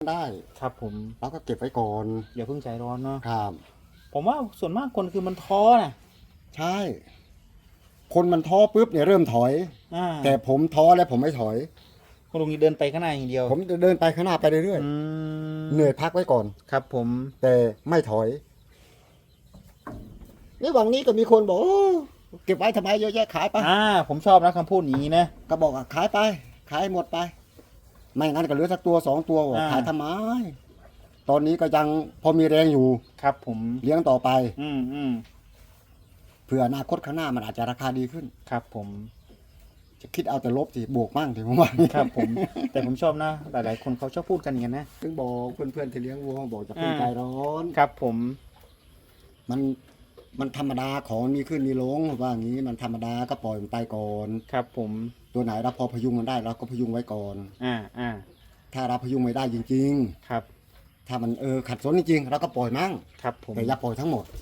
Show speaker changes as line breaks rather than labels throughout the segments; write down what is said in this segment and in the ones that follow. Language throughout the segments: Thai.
ได้
ครับผม
เราก็เก็บไว้ก่อน
อย่าเพิ่งใจร้อนเนาะ
ครับ
ผมว่าส่วนมากคนคือมันท้อนะ
ใช่คนมันท้อปุ๊บเนี่ยเริ่มถอยแต่ผมท้อแล้วผมไม่ถอย
คุณลุงเดินไปข้างหน้าอย่างเดียว
ผมจะเดินไปข้างหน้าไปเรื่อยๆเหนื่อยพักไว้ก่อน
ครับผม
แต่ไม่ถอยนี่วันนี้ก็มีคนบอกโอ้เก็บไว้ทำไมเยอะแยะขายไป
ผมชอบนะคำพูดอย่างนี้นะ
ก็บอกขายไปขายหมดไปไม่งั้นก็เหลือสักตัว2 ตัวขายทำไมตอนนี้ก็ยังพอมีแรงอยู่
ครับผม
เลี้ยงต่อไป
ม
เผื่ออนาคตข้างหน้ามันอาจจะราคาดีขึ้น
ครับผม
จะคิดเอาแต่ลบสิบวกมั่งสิผมว่า
ครับผมแต่ผมชอบนะหลายๆคนเขาชอบพูดกันอย่างนั้นนะ
ถึงบอกเพื่อนๆที่เลี้ยงวัวบอกจะเป็นใจร้อน
ครับผม
มันธรรมดาของมีขึ้นมีลงว่าอย่างนี้มันธรรมดาก็ปล่อยมันไปก่อน
ครับผม
ตัวไหนเราพอพยุงมันได้เราก็พยุงไว้ก่อนถ้าเราพยุงไม่ได้จริง
ๆครับ
ถ้ามันขัดสนจริงๆเราก็ปล่อยมั่ง
ครับผม
แต่อย่าปล่อยทั้งหมด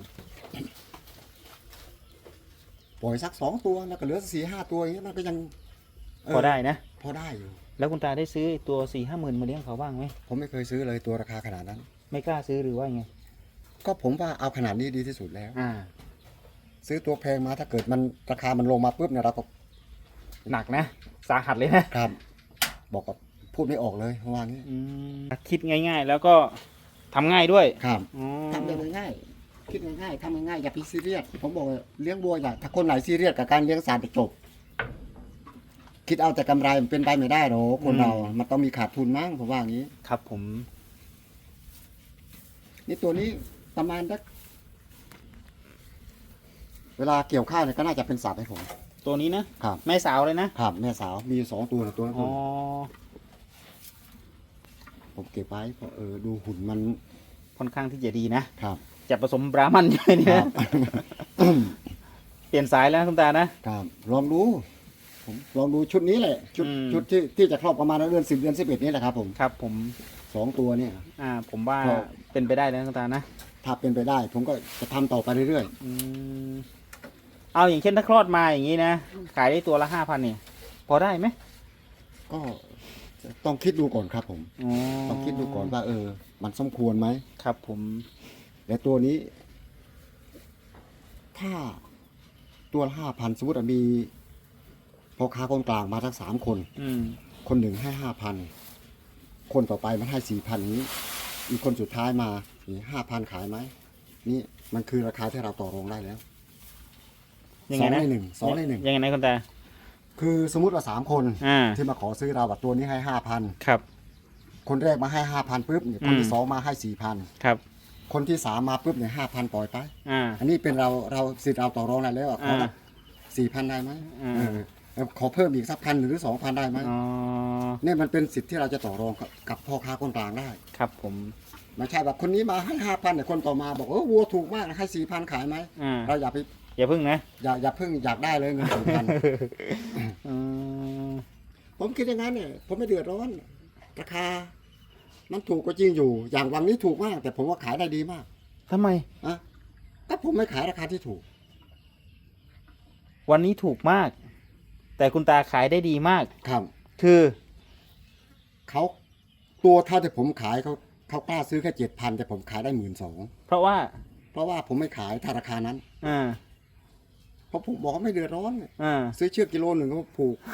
ปล่อยสัก2 ตัวแล้วก็เหลือ4-5 ตัวอย่างเงี้ยมันก็ยัง
พอได้นะ
พอได้อยู่
แล้วคุณตาได้ซื้อตัว4-5 หมื่นมาเลี้ยงเขาบ้างไหม
ผมไม่เคยซื้อเลยตัวราคาขนาดนั้น
ไม่กล้าซื้อหรือว่าไง
ก็ผมว่าเอาขนาดนี้ดีที่สุดแล้วซื้อตัวแพงมาถ้าเกิดมันราคามันลงมาปุ๊บเนี่ยเราก็
หนักนะสาหัสเลยนะครับ
บอกกับพูดไม่ออกเลยว่างี้
คิดง่ายๆแล้วก็ทำง่ายด้วย
ครับทำง่ายๆคิดง่ายๆทำง่ายๆอย่าไปซีเรียสผมบอกเลี้ยงวัวอย่าถ้าคนไหนซีเรียสกับการเลี้ยงสัตว์จบคิดเอาแต่กำไรมันเป็นไปไม่ได้หรอกคนเรามันต้องมีขาดทุนมั้งผมว่างี้
ครับผม
นี่ตัวนี้ประมาณสักเวลาเกี่ยวข้าวเนี่ยก็น่าจะเป็นสัตว์ให้ผม
ตัวนี้นะครับแม่สาวเลยนะครับ
แม่สาวมี2 ตัวตัวนั้นผมเก็บไว้เพราะดูหุ่นมัน
ค่อนข้างที่จะดีนะครับจะผสมบราหมันใช่ไหมเนี่ยเปลี่ยนสายแล้วคุณตา
นะครับลองดูผมลองดูชุดนี้แหละชุดที่จะครอบประมาณเดือน10 เดือน 11นี่แหละครับผม
ครับผม
2 ตัวเนี่ย
ผมว่าเป็นไปได้แล้วคุณตานะ
ถ้าเป็นไปได้ผมก็จะทำต่อไปเรื่อย
ๆเอาอย่างเช่นถ้าคลอดมาอย่างนี้นะขายได้ตัวละ5,000เนี่ยพอได้ไหม
ก็ต้องคิดดูก่อนครับผมต้องคิดดูก่อนว่ามันสมควรไหม
ครับผม
แต่ตัวนี้ถ้าตัวละ5,000สมมติมีพอค้าคนกลางมาทั้ง3 คนคนหนึ่งให้5,000คนต่อไปมันให้4,000นี้อีกคนสุดท้ายมา5,000ขายไหมนี่มันคือราคาที่เราต่อรองได้แล้ว2 ใน 1 2 ใน 1
ยังไงนะคุณตา
คือสมมติว่า3 คนที่มาขอซื้อเราตัวนี้ให้5,000
ครับ
คนแรกมาให้5,000ปุ๊บคนที่2มาให้4,000
ครับ
คนที่3มาปุ๊บเนี่ย5,000ปล่อยไปอันนี้เป็นเราสิทธิ์เราต่อรองได้แล้วขอ4,000ได้ไหมขอเพิ่มอีกสัก1,000หรือ2,000ได้ไหมเนี่ยมันเป็นสิทธิ์ที่เราจะต่อรองกับพ่อค้าคนกลางได้
ครับผม
ไม่ใช่แบบคนนี้มาให้5,000แต่คนต่อมาบอกวัวถูกมากให้4,000ขายไหมเราอย่า
พึ่งนะ
อย่าพึ่งอยากได้เลยเงิน4,000ผมคิดอย่างนั้นเนี่ยผมไม่เดือดร้อนราคามันถูกก็จริงอยู่อย่างวันนี้ถูกมากแต่ผมว่าขายได้ดีมาก
ทำไม
ก็ผมไม่ขายราคาที่ถูก
วันนี้ถูกมากแต่คุณตาขายได้ดีมาก
ครับ
คือ
เขาตัวเท่าที่ผมขายเขากล้าซื้อแค่7,000แต่ผมขายได้12,000
เพราะว่า
ผมไม่ขายถ้าราคานั้นเพราะผมบอกไม่เดือดร้อนซื้อเชือกกิโล1ก็ผูก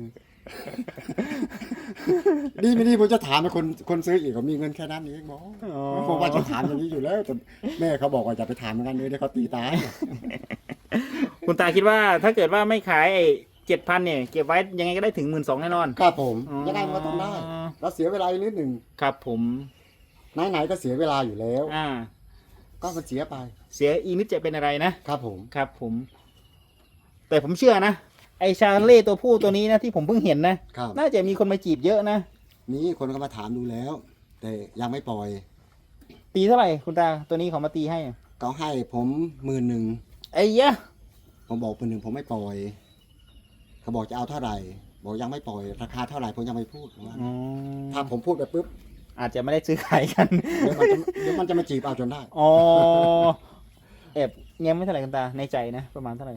ดีไม่ดีผมจะถามให้คนซื้ออีกมีเงินแค่นั้นเองบอกผมว่าจะถามอย่างนี้อยู่แล้วแต่แม่เขาบอกว่าจะไปถามเหมือนกันเลยเดี๋ยวเขาตีตาย
คุณตาคิดว่าถ้าเกิดว่าไม่ขาย7,000เนี่ยเก็บไว้ยังไงก็ได้ถึง12,000แน่นอน
ครับผมยังไงมันก็ต้องได้เราเสียเวลาอีกนิดหนึ่ง
ครับผม
ไหนก็เสียเวลาอยู่แล้วก็มันเสียไป
เสียอีกนิดจะเป็นอะไร
นะครับ
ผมแต่ผมเชื่อนะไอชาเล่ตัวผู้ตัวนี้นะที่ผมเพิ่งเห็นนะน่าจะมีคนมาจีบเยอะนะ
มีคนก็มาถามดูแล้วแต่ยังไม่ปล่อย
ตีเท่าไหร่คุณตาตัวนี้เขามาตีให้
เขาให้ผม10,000
ไอ้ยะ
ผมบอก10,000ผมไม่ปล่อยเขาบอกจะเอาเท่าไหร่บอกยังไม่ปล่อยราคาเท่าไหร่ผมยังไม่พูดถ้าผมพูดไปปุ๊บ
อาจจะไม่ได้ซื้อขายกัน
เดี๋ยวมันจะมาจีบเอาจนได้
แอบเงี้ยไม่เท่าไหร่คุณตาในใจนะประมาณเท่าไหร่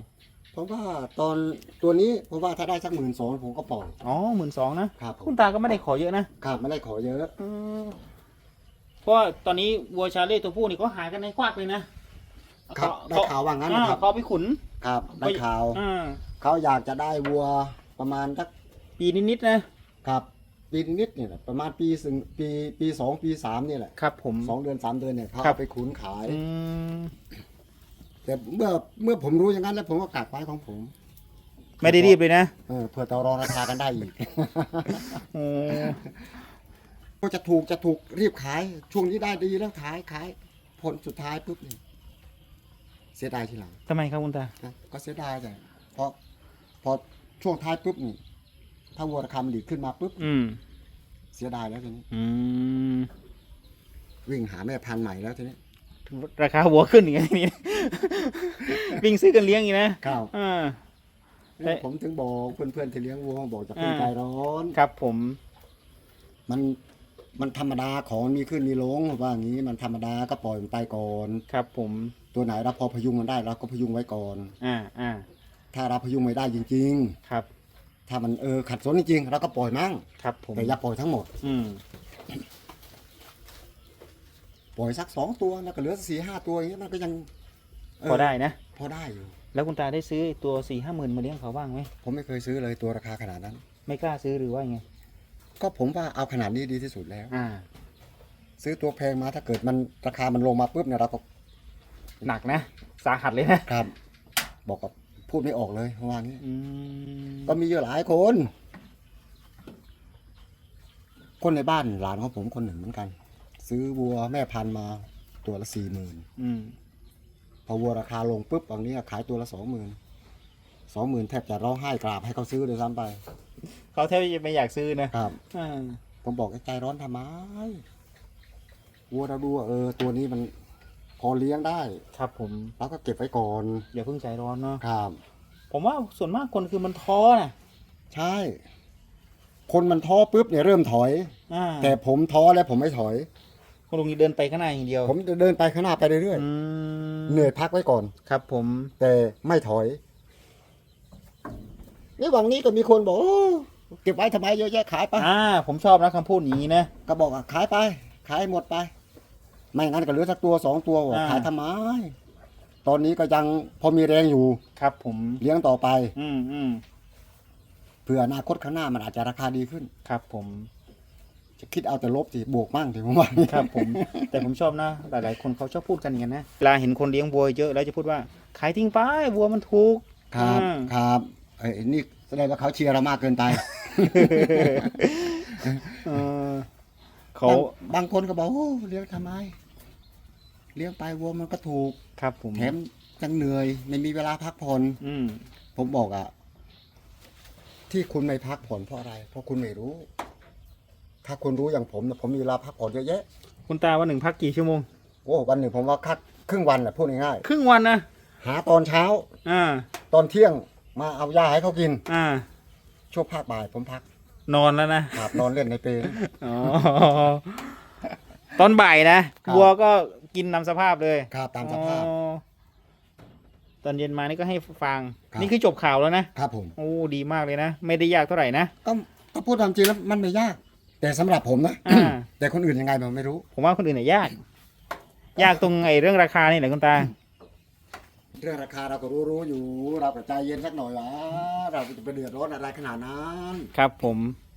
เพราะว่าตอนตัวนี้เพราะว่าถ้าได้สัก12,000ผมก็ปล่อย
อ๋อ12,000นะครับ
ผม
คุณตาก็ไม่ได้ขอเยอะนะครับ
ไม่ได้ขอเยอะ
เพราะว่าตอนนี้วัวชาเล่ตัวผู้นี่เขาหายกันในควักเลยนะครับ
ได้ข่าวว่างั้นนะครับ
เขาไปขุน
ครับได้ข่าว
อ่า
เขาอยากจะได้วัวประมาณสัก
ปีนิดๆนะครับ
ปีนิดเนี่ยแหละประมาณปี 2 ปี 3นี่แหละ
ครับผม
2 เดือน 3 เดือนเนี่ยเขา
ครับ
เอาไปขุนขาย
อืม
แต่เมื่อผมรู้อย่างนั้นแล้วผมก็กักไว้ของผม
ไม่ได้รีบเลยนะ
เพื่อต่อรองราคากันได้อีก
โอ้
ก็จะถูกรีบขายช่วงนี้ได้ดีแล้วขายผลสุดท้ายปุ๊บนี่เสียดายทีหลัง
ทำไมครับคุณตา
นะก็เสียดายแต่พอช่วงท้ายปุ๊บนี่ถ้าวัวราคามันดีขึ้นมาปุ๊บ
อืม
เสียดายแล้วทีนี้
อืม
วิ่งหาแม่พันธุ์ใหม่แล้วทีนี้
ราคาวัวขึ้นอย่างนี้นี่ วิ่งซื้อกันเลี้ยงอีกนะครับ อ่า
เนี่ยผมถึงบอกเพื่อนๆที่เลี้ยงวัวบอกจะเป็นใจร้อน
ครับผม
มันธรรมดาของมีขึ้นมีลงว่าอย่างนี้มันธรรมดาก็ปล่อยมันไปก่อน
ครับผม
ตัวไหนเราพอพยุงมันได้เราก็พยุงไว้ก่อน
อ่า
ถ้าเราพยุงไม่ได้จริง
ครับ
ๆ ถ้ามันขัดสนจริงๆเราก็ปล่อยมั่ง
ครับผม
แต่อย่าปล่อยทั้งหมด
อืม
ปล่อยสัก2 ตัวแล้วก็เหลือ4-5 ตัวอย่างเงี้ยมันก็ยัง
พอได้นะ
พอได้อยู่
แล้วคุณตาได้ซื้อตัว4-50,000มาเลี้ยงเขาบ้างไหม
ผมไม่เคยซื้อเลยตัวราคาขนาดนั้น
ไม่กล้าซื้อหรือว่าไง
ก็ผมว่าเอาขนาดนี้ดีที่สุดแล้ว
อ่า
ซื้อตัวแพงมาถ้าเกิดมันราคามันลงมาปุ๊บเนี่ยเราก็
หนักนะ สาหัสเลยนะครับ
บอกกับพูดไม่ออกเลยว่างี้
อืม
ก็มีเยอะหลายคน คนในบ้านหลานของผมคนหนึ่งเหมือนกัน ซื้อวัวแม่พันธุ์มาตัวละ40,000
อืม
พอวัวราคาลงปุ๊บตอนนี้ขายตัวละ20,000แทบจะร้องไห้กราบให้เขาซื้อเลยซ้ำไป
เขาแทบจะไม่อยากซื้อนะครับ อ่า
ผมบอกให้ใจร้อนทำไมวัวเราดูว่าตัวนี้มันพอเลี้ยงได้
ครับผม
เราก็เก็บไว้ก่อน
อย่าเพิ่งใจร้อนเนาะ
ครับ
ผมว่าส่วนมากคนคือมันท้อนะ
ใช่ คนมันท้อปุ๊บเนี่ยเริ่มถอย
อ่า
แต่ผมท้อแล้วผมไม่ถอย
คุณลุงนี่เดินไปข้างหน้าอย่างเดียว
ผมจะเดินไปข้างหน้าไปเรื่อย
อืม
ๆเหนื่อยพักไว้ก่อน
ครับผม
แต่ไม่ถอยนี่หวังนี้ก็มีคนบอกโอ้เก็บไว้ทำไมเยอะแยะขายไป
ผมชอบนะคำพูดอย่างนี้นะ
ก็บอกขายไป ขายหมดไป ไม่งั้นก็เหลือสักตัว2 ตัวบอก
อ่า
ขายทำไม ตอนนี้ก็ยังพอมีแรงอยู่
ครับผม
เลี้ยงต่อไป
อืม
เผื่ออนาคตข้างหน้ามันอาจจะราคาดีขึ้น
ครับผม
จะคิดเอาแต่ลบสิบวกมั่งสิผมว่า
ครับผม แต่ผมชอบนะ หลายๆ คนเขาชอบพูดกันอย่างนั้นนะ เวลาเห็นคนเลี้ยงวัวเยอะแล้วจะพูดว่าขายทิ้งไปวัวมันถูก
ครับ
อ่า
ครับนี่แสดงว่าเขาเชียร์เรามากเกินไป
เออเขา
บางคนก็บอกโอ้เลี้ยงทำไม เลี้ยงไปวัวมันก็ถูก
ครับผม
แถมยังเหนื่อยไม่มีเวลาพักผ่อน
อืม
ผมบอกที่คุณไม่พักผ่อนเพราะอะไร เพราะคุณไม่รู้ ถ้าคุณรู้อย่างผมเนี่ยผมมีเวลาพักผ่อนเยอะแยะ
คุณตาวันหนึ่งพักกี่ชั่วโมง
โอ้วันหนึ่งผมว่าคัดครึ่งวันแหละพูดง่าย
ครึ่งวันนะ
ๆหาตอนเช้า
อ่า
ตอนเที่ยงมาเอายาให้เขากิน
อ่า
ช่วงภาคบ่ายผมพัก
นอนแล้วนะครับ
นอนเล่นในเปรย์
อ๋อ ตอนบ่ายนะครับ วัวก็กินนำสภาพเลย
ครับตามสภาพ
อ๋อตอนเย็นมานี่ก็ให้ฟัง
ครับ
นี่คือจบข่าวแล้วนะครับ
ผม
โอ้ดีมากเลยนะ ไม่ได้ยากเท่าไหร่นะ
ก็พูดตามจริงแล้วมันไม่ยาก แต่สำหรับผมนะ
อ่า
แต่คนอื่นยังไงผมไม่รู้
ผมว่าคนอื่นเนี่ยยาก ยากตรงไอ้เรื่องราคานี่แหละคุณตา
เรื่องราคาเราก็รู้อยู่ เราก็ใจเย็นสักหน่อยวะเราจะไปเดือดร้อนอะไรขนาดนั้น
ครับผม
เ